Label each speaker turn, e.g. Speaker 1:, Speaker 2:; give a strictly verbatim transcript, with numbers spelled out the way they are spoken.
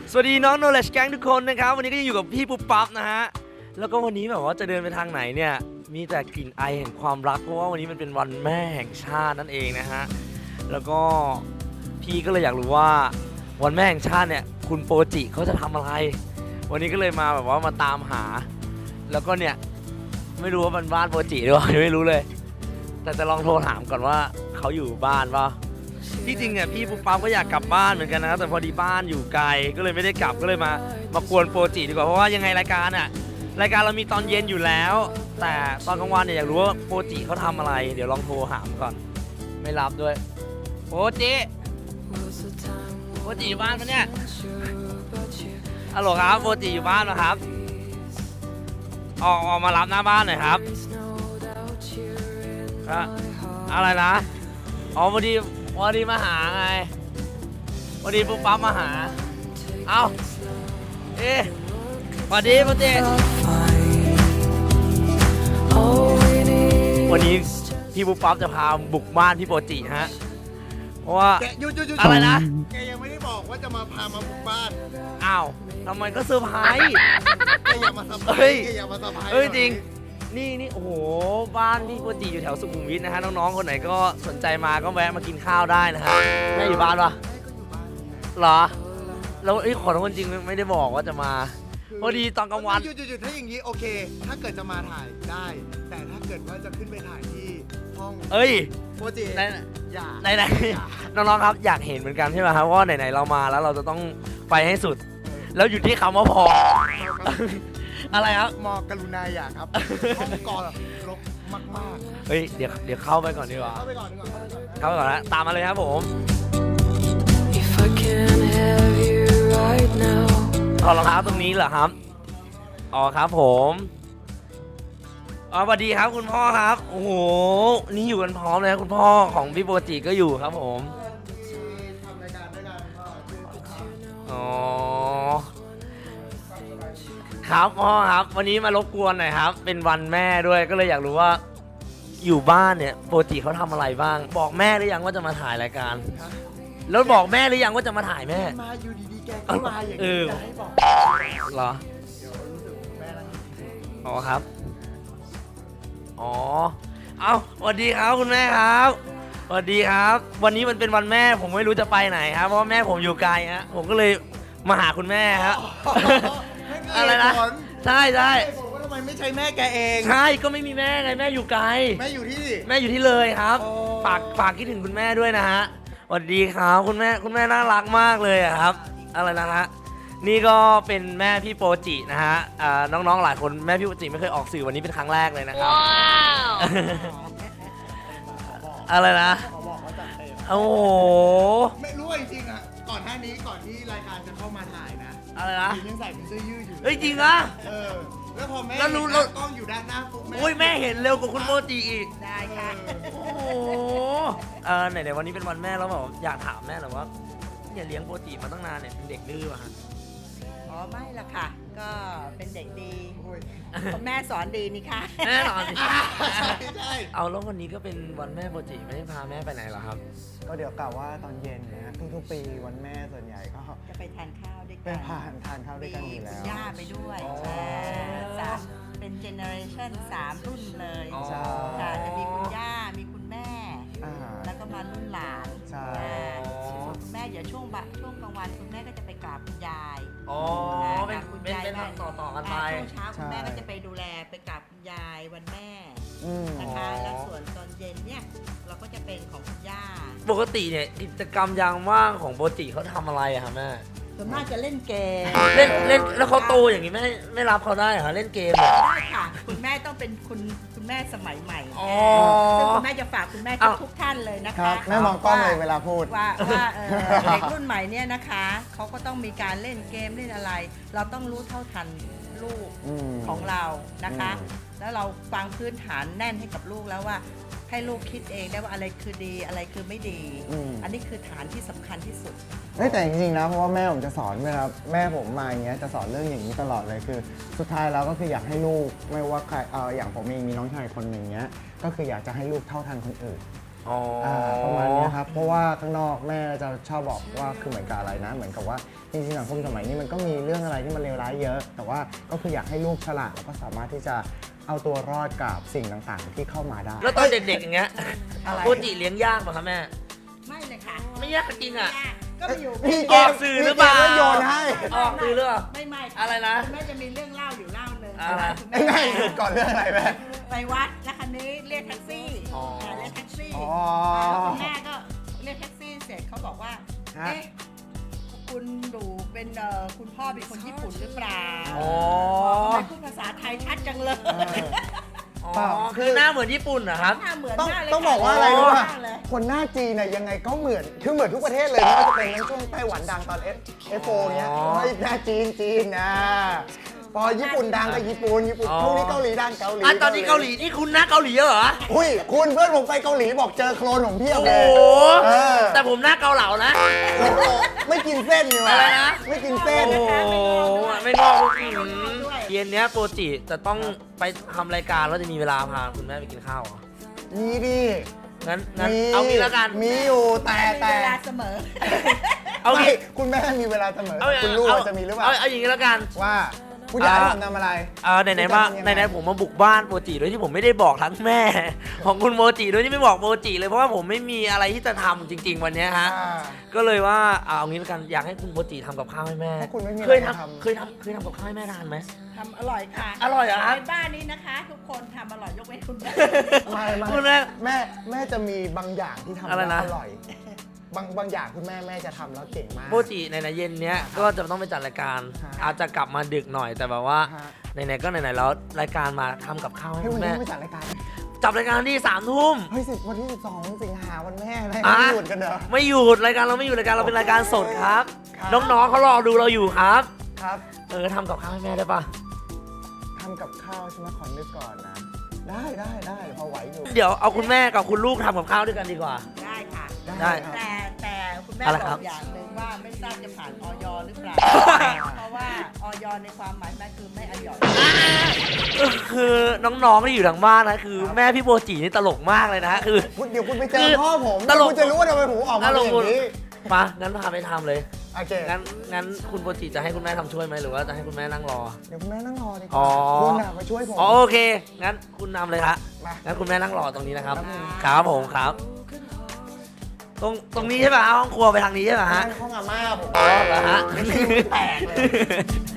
Speaker 1: สวัสดีน้อง Knowledge Gang ทุกคนนะครับวันนี้ก็ยังอยู่กับพี่ปุ๊บปั๊บนะฮะแล้วก็วันนี้แบบว่าจะเดินไปทางไหนเนี่ยมีแต่กลิ่นไอแห่งความรักเพราะว่าวันนี้มันเป็นวันแม่แห่งชาตินั่นเองนะฮะแล้วก็พี่ก็เลยอยากรู้ว่าวันแม่แห่งชาติเนี่ยคุณโปรจิเขาจะทำอะไร วันนี้ก็เลยมาแบบว่ามาตามหา แล้วก็เนี่ยไม่รู้ว่ามันบ้านโปรจิหรือเปล่าไม่รู้เลย แต่จะลองโทรถามก่อนว่าเขาอยู่บ้านป่ะที่จริงเนี่ยพี่ปุ๊บปั๊บก็อยากกลับบ้านเหมือนกันนะแต่พอดีบ้านอยู่ไกลก็เลยไม่ได้กลับก็เลยมามากวนโปรจิดีกว่าเพราะว่ายังไงรายการอ่ะรายการเรามีตอนเย็นอยู่แล้ว แต่ตอนกลางวันเนี่ยอยากรู้ว่าโปรจิเขาทำอะไรเดี๋ยวลองโทรถามก่อนไม่รับด้วยโปรจิโปรจิอยู่บ้านปะเนี่ยฮัลโหลครับโปรจิอยู่บ้านนะครับออกออกมารับหน้าบ้านหน่อยครับอะไรนะอ๋อพอดีพอดีมาหาไงพอดีปุ๊บปั๊บมาหาเอ้าเอ๊ะพอดีพอดีวันนี้พี่ปุ๊บปั๊บจะพาบุกบ้านพี่โปรจิฮะเพราะว่าอะไรนะ
Speaker 2: แกยังไม่ได้บอกว่าจะมาพามาบุกบ้าน
Speaker 1: อ้าวทำไมก็เซอร์ไพรส์
Speaker 2: แกอย่ามาเซอร์ไพรส์แกอย่ามาเซอร์ไพรส์
Speaker 1: เฮ้ยจริงนี่นี่โอ้โหบ้านพี่โปรจิอยู่แถวสุขุมวิทนะฮะน้องๆคนไหนก็สนใจมาก็แวะมากินข้าวได้นะฮะแม่อยู่บ้านปะเหรอแล้วไอ้ขอโทษจริงไม่ได้บอกว่าจะมาพอดีตอนกลางวัน
Speaker 2: หยุดหยุดถ้าอย่างนี้โอเคถ้าเกิดจะมาถ่ายได้ แต่ถ้าเกิดว่าจะขึ้นไปถ่ายที่ห้อง
Speaker 1: เอ้ย
Speaker 2: โปรจิ
Speaker 1: ไหน
Speaker 2: อย่า
Speaker 1: ไหนไหนน้องๆครับอยากเห็นเหมือนกันใช่ไหมครับว่าไหนๆเรามาแล้วเราจะต้องไปให้สุดแล้วอยู่ที่คำว่าพออะไรครับ
Speaker 2: มอกรุณาอย่าครับห้องก่อนรกมาก
Speaker 1: ๆเฮ้ยเดี๋ยวเดี๋ยวเข้าไปก่อนดีกว่า
Speaker 2: เข้าไปก่อนดีกว่า
Speaker 1: เข้าไปก่อนนะตามมาเลยครับผมถอดรองเท้าตรงนี้เหรอครับอ๋อครับผมอ๋อสวัสดีครับคุณพ่อครับโอ้โหนี่อยู่กันพร้อมเลยคุณพ่อของพี่โปรจิก็อยู่ครับผม
Speaker 2: ทำรายการด้วยกัน
Speaker 1: อ๋อครับพ่อครับวันนี้มารบกวนหน่อยครับเป็นวันแม่ด้วยก็เลยอยากรู้ว่าอยู่บ้านเนี่ยโปรจิเขาทำอะไรบ้างบอกแม่หรือยังว่าจะมาถ่ายรายการแล้วบอกแม่หรือยังว่าจะมาถ่ายแม่
Speaker 2: มาอยู่ดีๆแกก็มาอย่างนี้จะให้บอก
Speaker 1: เหรออ๋อครับอ๋อเอาสวัสดีครับคุณแม่ครับสวัสดีครับวันนี้มันเป็นวันแม่ผมไม่รู้จะไปไหนครับเพราะว่าแม่ผมอยู่ไกลฮะผมก็เลยมาหาคุณแม่ครับอะไรนะใช่ใช่
Speaker 2: ผมว่าทำไมไม่ใช่แม่แกเอง
Speaker 1: ใช่ก็ไม่มีแม่ไงแม่อยู่ไกล
Speaker 2: แม่อยู่ที่
Speaker 1: แม่อยู่ที่เลยครับฝากฝากคิดถึงคุณแม่ด้วยนะฮะสวัสดีครับคุณแม่คุณแม่น่ารักมากเลยครับอะไรนะฮะนี่ก็เป็นแม่พี่โปรจินะฮะน้องๆหลายคนแม่พี่โปรจิไม่เคยออกสื่อวันนี้เป็นครั้งแรกเลยนะครับอะไรนะโอ้โห
Speaker 2: ไม่รู้จริงๆอ่ะก่อนหน้านี้ก่อนที่รายการจะเข้ามาถ่ายนะ
Speaker 1: อะไรนะ
Speaker 2: ยังใส่เป็นเสื้อยืดอยู่
Speaker 1: เฮ้ยจริงอ่ะ
Speaker 2: เออแล้วพอแม่
Speaker 1: แล้วรู้
Speaker 2: แล้วกล้องอยู่ด้านหน้าปุ๊บ
Speaker 1: แม่โอ้ยแม่เห็นเร็วกว่าคุณโปรจิอีก
Speaker 3: ได้ค่ะ
Speaker 1: โอ้โหเออไหนๆวันนี้เป็นวันแม่แล้วแบบอยากถามแม่หน่อยว่าเนี่ยเลี้ยงโปรจิมาตั้งนานเนี่ยเป็นเด็กดื้อป่ะฮะ
Speaker 3: อ๋อไม่ละค่ะก็เป็นเด็กดีคุณแม่สอนดีนี่ค่ะ
Speaker 1: แม่สอนดี
Speaker 2: ใช่ใช่
Speaker 1: เอาแล้ววันนี้ก็เป็นวันแม่โปรจิไม่ได้พาแม่ไปไหนหรอครับ
Speaker 4: ก็เดี๋ยวกล่าวว่าตอนเย็นนะทุกๆปีวันแม่ส่วนใหญ่ก็
Speaker 3: จะไปทานข้าวด้วยกัน
Speaker 4: ไปผ่านทานข้าวด้วยกันอยู่แล้ว
Speaker 3: ย่าไปด้วยสามเป็นเจเนอเรชั่นสามรุ่นเลยค่ะจะมีคุณย่ามีคุณแม่แล้วก็มารุ่นหลาน
Speaker 4: ใช่
Speaker 3: คุณแม่เดี๋ยวช่วงบ่ายช่วงกลางวันคุณแม่ก็จะไปกราบคุณยาย
Speaker 1: อ๋อเป็นคุณยายเป็นต่อต่อกันไป
Speaker 3: ช่วงเช้าคุณแม่ก็จะไปดูแลไปกราบคุณยายวันแม่นะคะแล้วส่วนตอนเย็นเนี่ยเราก็จะเป็นของคุณย่า
Speaker 1: ปกติเนี่ยกิจกรรมยามว่างของโปรจิเขาทำอะไรอะครับแม่
Speaker 3: ส่วนมากจะเล่นเกม
Speaker 1: เล่นเล่นแล้วเขาโตอย่างนี้ไม่ไม่รับเขาได้เหรอเล่นเกม
Speaker 3: ได้ค่ะคุณแม่ต้องเป็นคุณคุณแม่สมัยใหม่ซึ่งคุณแม่จะฝากคุณแม่ทุกท่านเลยนะคะ
Speaker 4: แม่มองกล้องเลยเวลาพูด
Speaker 3: ว่าว่าเด็กรุ่นใหม่เนี่ยนะคะเขาก็ต้องมีการเล่นเกมเล่นอะไรเราต้องรู้เท่าทันลูกของเรานะคะแล้วเราฟังพื้นฐานแน่นให้กับลูกแล้วว่าให้ลูกคิดเองได้ว่าอะไรคือดีอะไรคือไม่ดีอันนี้คือฐานที่สำคัญที่สุด
Speaker 4: แต่จริงๆนะเพราะว่าแม่ผมจะสอนเวลาแม่ผมมาอย่างเงี้ยจะสอนเรื่องอย่างนี้ตลอดเลยคือสุดท้ายแล้วก็คืออยากให้ลูกไม่ว่าใครเอออย่างผมเองมีน้องชายคนหนึ่งเงี้ยก็คืออยากจะให้ลูกเท่าทันคนอื่น
Speaker 1: อ๋ออ่
Speaker 4: าประมาณเนี้ยครับเพราะว่าข้างนอกแม่จะชอบบอกว่าคือเหมือนกับอะไรนะ เหมือนกับว่าจริงๆสังคมสมัยนี้มันก็มีเรื่องอะไรที่มันเลวร้ายเยอะ แต่ว่าก็คืออยากให้ลูกฉลาดแล้วก็สามารถที่จะเอาตัวรอดกับสิ่งต่างๆที่เข้ามาได้
Speaker 1: แล้วตอนเด็กๆอย่างเงี้ย
Speaker 3: อะไร
Speaker 1: โมจิเลี้ยงยากป่ะคะแม่
Speaker 3: ไม่เลยค่ะ
Speaker 1: ไม่ยากจริงอ่ะ
Speaker 3: ก็ไปอยู่
Speaker 4: มี
Speaker 1: อ
Speaker 4: เก
Speaker 1: อก
Speaker 4: ม
Speaker 1: สื่อหรือเปล่า
Speaker 4: มีกมแล้วโยนให้
Speaker 1: ออกสื่อหรือเปล่า
Speaker 3: ไม่ไม่
Speaker 1: อะไรนะ
Speaker 3: คุณแม่จะมีเรื่องเล่าอยู่เล่าหนึ่ง
Speaker 1: อะไร
Speaker 3: คุณ
Speaker 4: ไอ้แม่หยุดก่อนเรื่องอะไรแม่
Speaker 3: ไปวัดแล้วคันนี้เรียกแท็กซี่
Speaker 1: อ๋ออ่
Speaker 3: าเรียกแท็กซี่
Speaker 4: อ๋อ
Speaker 3: แล้วคุณแม่ก็เรียกแท็กซี่เสร็จเขาบอกว่า
Speaker 4: ฮะ
Speaker 3: เอ๊ะคุณหนูเป็นเอ่อคุณพ่อเป็นคนญี่ปุ่นหรือเปล่า
Speaker 1: อ๋อ
Speaker 3: ทำไมพูดภาษาไทยชัดจังเลย
Speaker 1: อ๋อ
Speaker 4: เปล่า
Speaker 1: คือหน้าเหมือนญี่ปุ่นเหรอครับ
Speaker 3: หน้าเหมือน
Speaker 4: ต้อง
Speaker 3: มากเลย
Speaker 4: ต้องบอกว่าอะไรรู้ป่ะ
Speaker 3: มากเลย
Speaker 4: คนหน้าจีนน่ะยังไงก็เหมือนคือเหมือนทุกประเทศเลยไม่ว่าจะเป็นทั้งช่วงไต้หวันดังตอน เอฟ โฟ เนี้ย
Speaker 1: อ๋อ
Speaker 4: เฮ้ยหน้าจีนจีนนะพอญี่ปุ่นดังก็ญี่ปุ่นญี่ปุ่น
Speaker 1: อ๋อ
Speaker 4: ช่วงนี้เกาหลีดังเกาหลี
Speaker 1: อ่ะตอนนี้เกาหลีนี่คุณหน้าเกาหลีเหรอ
Speaker 4: อุ้ยคุณเพื่อนผมไปเกาหลีบอกเจอโคลนของเพียบ
Speaker 1: โอ้
Speaker 4: เล
Speaker 1: โห
Speaker 4: ยเออ
Speaker 1: แต่ผมหน้าเกาเหลานะ
Speaker 4: โอ้โหไม่กินเส้นนี่หว่า
Speaker 1: อะไรนะ
Speaker 4: ไม่กินเส้น
Speaker 1: โอ้โหไม่งอกอืมเย็นเนี้ยโปรจิจะต้องไปทำรายการแล้วจะมีเวลาพาคุณแม่ไปกินข้าวเหรอ
Speaker 4: มีดิ
Speaker 1: งั้นงั้น
Speaker 4: มี
Speaker 1: เอางี้แล้วกัน
Speaker 4: มีอยู่แต่
Speaker 3: มี
Speaker 4: แต่
Speaker 3: เวลาเสมอ
Speaker 1: เอา
Speaker 4: ไม่
Speaker 1: งี้
Speaker 4: คุณแม่มีเวลาเสมอ
Speaker 1: เอา
Speaker 4: คุณลูก
Speaker 1: เอา
Speaker 4: จะมีหรือเปล่า
Speaker 1: เอาเอาอย่างงี้แล้วกัน
Speaker 4: ว่าคุณอยากให้
Speaker 1: อ่า
Speaker 4: ผมทำอะไร
Speaker 1: เออไหนๆว่า
Speaker 4: คุณจะทำยังไง
Speaker 1: ไหนๆผมมาบุกบ้านโมจิโดยที่ผมไม่ได้บอกทั้งแม่ ของคุณโมจิโดยที่ไม่บอกโมจิเลยเพราะว่าผมไม่มีอะไรที่จะทำจริง ๆ วันเนี้ยฮะ
Speaker 4: อ่า
Speaker 1: ก็เลยว่าเอาเอางี้แล้วกันอยากให้คุณโมจิทำกับข้าวให้แม่
Speaker 4: ถ้าคุณไม่มี
Speaker 1: เคย
Speaker 4: อะไร
Speaker 1: ทำ
Speaker 4: ทำ
Speaker 1: เคยทำเคยทำกับข้าวให้แม่ทานไหม
Speaker 3: ทำอร่อยค่ะ
Speaker 1: อร่อยเหรอครับ
Speaker 3: ในบ้านนี้นะคะ ทุกคนทำอร่อยยกเว้นคุณแม่
Speaker 4: ไม่ไม่
Speaker 1: คุณแม่
Speaker 4: แม่แม่จะมีบางอย่างที่ทำ
Speaker 1: อะไร
Speaker 4: แล้ว
Speaker 1: นะ
Speaker 4: อร่อย บางบางอย่างคุณแม่แม่จะทำแล้วเก่งมาก
Speaker 1: โมจิในๆเย็นเนี้ยก็จะต้องไปจัดรายการ
Speaker 4: ฮะ
Speaker 1: อาจจะกลับมาดึกหน่อยแต่แบบว่า
Speaker 4: ฮะ
Speaker 1: ไหนๆก็ไหนๆแล้วรายการมาทำกับข้าวให้
Speaker 4: ให้
Speaker 1: คุ
Speaker 4: วัน
Speaker 1: ณ
Speaker 4: นี้
Speaker 1: แม่
Speaker 4: ไม่จัดรายการ
Speaker 1: จับรายการที่สามทุ่ม
Speaker 4: เฮ้ยสิวันที่สิบสองสิงหาวันแม่อะไร
Speaker 1: อ่ะ
Speaker 4: ไม่หยุดกันเหรอ
Speaker 1: ไม่หยุดรายการเราไม่หยุดรายการเราเป็นรายการสดครับ
Speaker 4: ครับ
Speaker 1: น้องๆเขารอดูเราอยู่ครับ
Speaker 4: ครับ
Speaker 1: เออทำกับข้าวให้แม่ได้ปะ
Speaker 4: ทำกับข้าวใช่ไหมขอนึกก่อนนะ ได้ได้ได้พอไหวอยู่
Speaker 1: เดี๋ยวเอาคุณแม่กับคุณลูกทำกับข้าวด้วยกันดีกว่า
Speaker 3: ได้ค่ะ
Speaker 1: ได้
Speaker 4: ครับ
Speaker 3: แต่แต่คุณแม่
Speaker 1: อะไร
Speaker 3: บ
Speaker 1: ครั
Speaker 3: อบ กอย่างหนึ่งว่าไม่ทราบจะผ่านออยหรือเปล่า เพราะว่าออยในความหมายแม่คือไม่อร่อย
Speaker 1: คือน้องๆที่อยู่ทางบ้านนะคือแม่พี่โมจินี่ตลกมากเลยนะคือ
Speaker 4: คุณเดี๋ยวคุณไปเจ
Speaker 1: คือ อ
Speaker 4: พ่อผม
Speaker 1: ตลก
Speaker 4: คุณจะรู้ว่าทำไมผมออกมาเป็นอย่างนี้
Speaker 1: มางั้นพาไปทำเลย
Speaker 4: โอเค
Speaker 1: งั้นงั้นคุณโมจิจะให้คุณแม่ทำช่วยไหมหรือว่าจะให้คุณแม่นั่งรอ
Speaker 4: เดี๋ยวคุณแม่นั่งรอดีก
Speaker 1: อ๋
Speaker 4: ว่า
Speaker 1: อ
Speaker 4: คุณน่ะมาช่วยผม
Speaker 1: อ๋อโอเค งั้นคุณนำเลยฮะ
Speaker 4: มา
Speaker 1: งั้นคุณแม่นั่งรอตรงนี้นะครับ
Speaker 4: ครับผม
Speaker 1: ครับผมครับ ตรงตรงนี้ใช่ป่ะห้องครัวไปทางนี้ใช่ป่ะฮะ
Speaker 4: นั่งห้องอาม่าผม
Speaker 1: อ๋อเหรอฮะ
Speaker 4: ไม่ใช่แตกเลย